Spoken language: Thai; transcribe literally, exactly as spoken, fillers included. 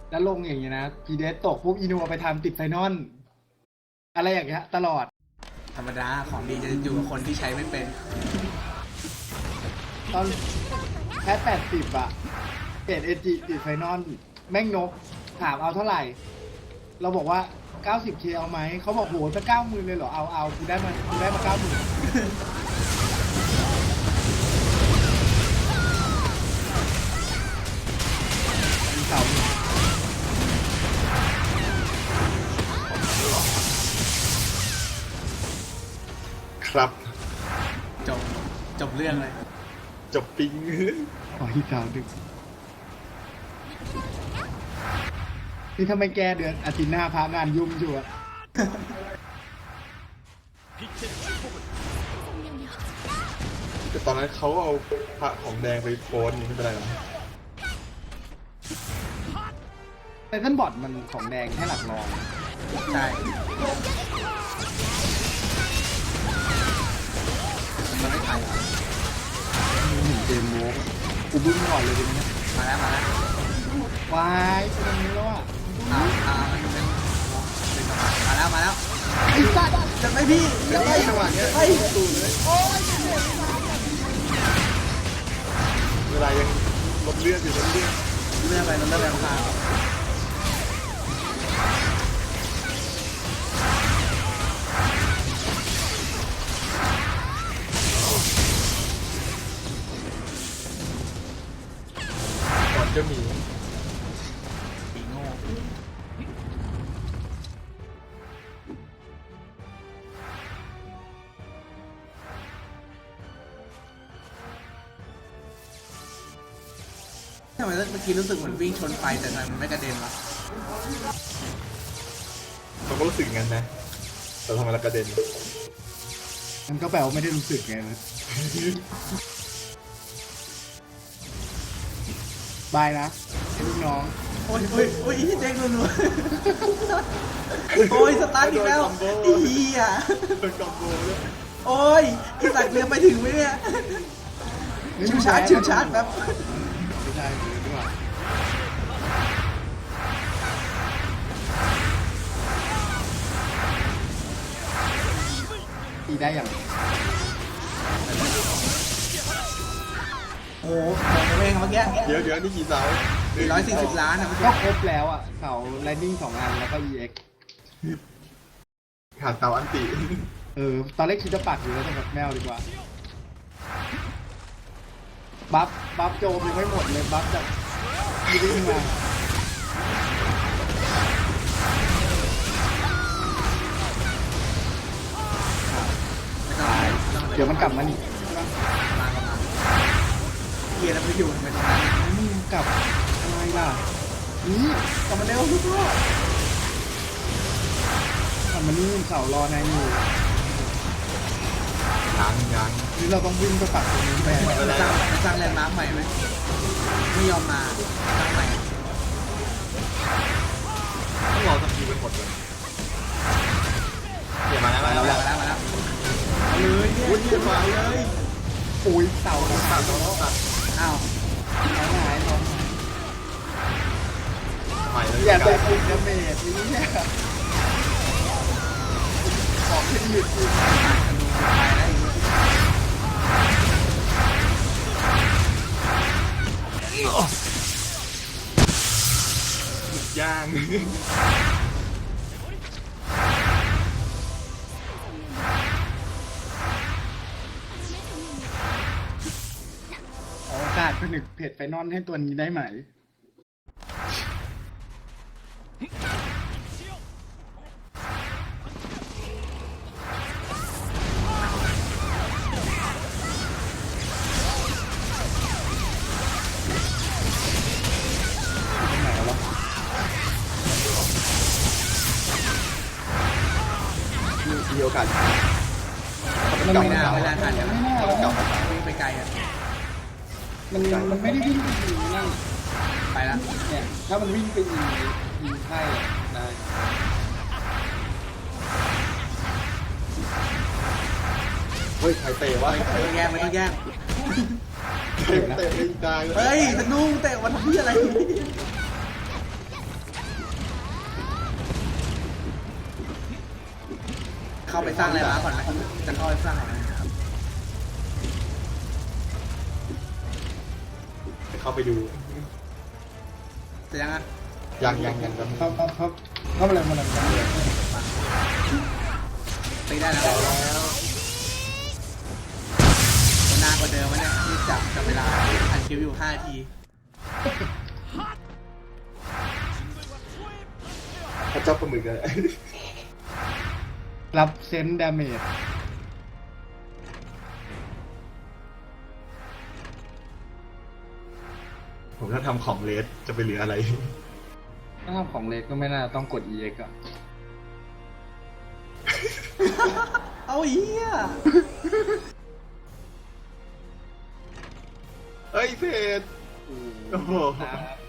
แล้วลงอย่างเงี้ยนะพีเดสตกปุ๊บอินูเอาไปทำติดไฟนอลอะไรอย่างเงี้ยตลอดธรรมดาของดีจะอยู่กับคนที่ใช้ไม่เป็นตอนแพทแปดสิบอะเกรดเอจิติดไฟนอลแม่งนกถามเอาเท่าไหร่ เราบอกว่า เก้าสิบเค เอาไหม เขาบอกโหจะเก้าหมื่นเลยเหรอ เอาเอากูได้มากูได้มาเก้าหมื่นเสาครับจบจบเรื่องเลยจบปิงขอที่เสาดึกนี่ทำไมแกเดือนอาทิตย์หน้าพางานยุ่งอยู่อะแต่ตอนนั้นเขาเอาพระของแดงไปโพสต์นี่ไม่เป็นไรหรอกแต่ท่านบอดมันของแดงแค่หลักรองใช่มันไม่ทันมีหนึ่งเกมโม้กูบึ้งก่อนเลยทีนี้มาแล้วมาแล้ววายเป็นอย่างนี้แล้วอะเอาเอามันเป็นเป็นมาแล้วมาแล้วไอ้สัตว์จะไม่พี่จะไม่จังหวะเนี้ยไอ้ตูนเลยเวลายังลดเลือดอยู่ลดเลือดเรื่องอะไรเรื่องอะไรของเขาก่อนจะมีปีโง่ทำไมเมื่อกี้รู้สึกเหมือนวิ่งชนไฟแต่ทำไมมันไม่กระเด็นวะเขาก็รู้สึกงั้นนะ แต่ทำไมเรากระเด็นมันก็แปลว่าไม่ได้รู้สึกไงนะบายนะไอ้ลูกน้องโอ้ยโอ้ยโอ้ยเจ๊งรัวๆโอ้ยสตาร์ทอีกแล้วไอ้เหี้ยเป็นคอมโบเลยโอ้ยไอ้สัตว์เรือไปถึงไหมเนี่ยชิวชาร์จชิวชาร์จแบบไม่ได้เลยดีกว่าตีได้อย่างโอ้โหผมเองเมื่อกี้เดี๋ยวเดี๋ยวนี่กี่เสาสี่ร้อยสี่สิบล้านนะเมื่อก็กี้ครบแล้วอ่ะเสาแลนดิ้งสองอันแล้วก็ อี เอ็กซ์ขาดเสาอันติเออ ตอนแรกคิดจะปักอยู่แล้วแต่แบบแมวดีกว่า บัฟ บัฟโจมยังไม่หมดเลย บัฟจากยีดิ้งมาไม่ต้องไม่ต้องเดี๋ยวมันกลับมานี่มามามาเกียร์แล้วไปอยู่ไปตรงนั้นมึงกลับอะไรล่ะ นี่กลับมาเร็วลูกพ่อกลับมานี่เสารอนายอยู่ยังยังนี่เราต้องวิ่งไปปักตรงนี้แม่ไปสร้างไปสร้างแลนด์มาร์คใหม่ไหมไม่ยอมมาสร้างใหม่ต้องรอสักทีเป็นหมดเลยเดี๋ยวมาแล้วมามาแล้แล้ว วมาแล้วมาแล้วเอาเลยเนี่ยอุ้ยเยี่ยมมาเลยอุ้ยเสาต้องตัดต้องตัดอ้าวท้องหายท้องหายใหม่เลยอย่าไปกันคุยดาเมจนี้เนี่ยของที่หยุดกินผ่านธนูไปแล้วอีกย่างขอโอกาสผนึกเพจไฟนอลให้ตัวนี้ได้ไหมตรงไหนวะมีโอกาสมันไม่น่าไม่น่าทันกันไม่น่าต้องกลับมาวิ่งไปไกลอ่ะมันมันไม่ได้วิ่งไปยิงนั่นไปละเนี่ย ถ้ามันวิ่งไปยิงยิงไพ่อะได้เฮ้ยใครเตะวะไม่ต้องแย่งไม่ต้องแย่งเตะเตะไม่ได้เลยเฮ้ยธนูเตะวันที่อะไรเข้าไปสร้างอะไรมาก่อนไหมจะเข้าไปสร้างอะไรนะครับเข้าไปดูจะยังอ่ะยังยังยังยังครับครับครับเข้ามาเลยมาเลยมาเลยตีได้แล้วจะนานกว่าเดิมวะเนี่ยนี่จับจับเวลาอันคิวอยู่ห้านาทีพระเจ้าปลาหมึกเลยรับเซนดาเมจผมถ้าทำของเลสจะไปเหลืออะไรถ้าทำของเล็กก็ไม่น่าต้องกด อี เอ็กซ์ อ่ะเอาเหี้ยเอ้ยเพจโอ้โหครับ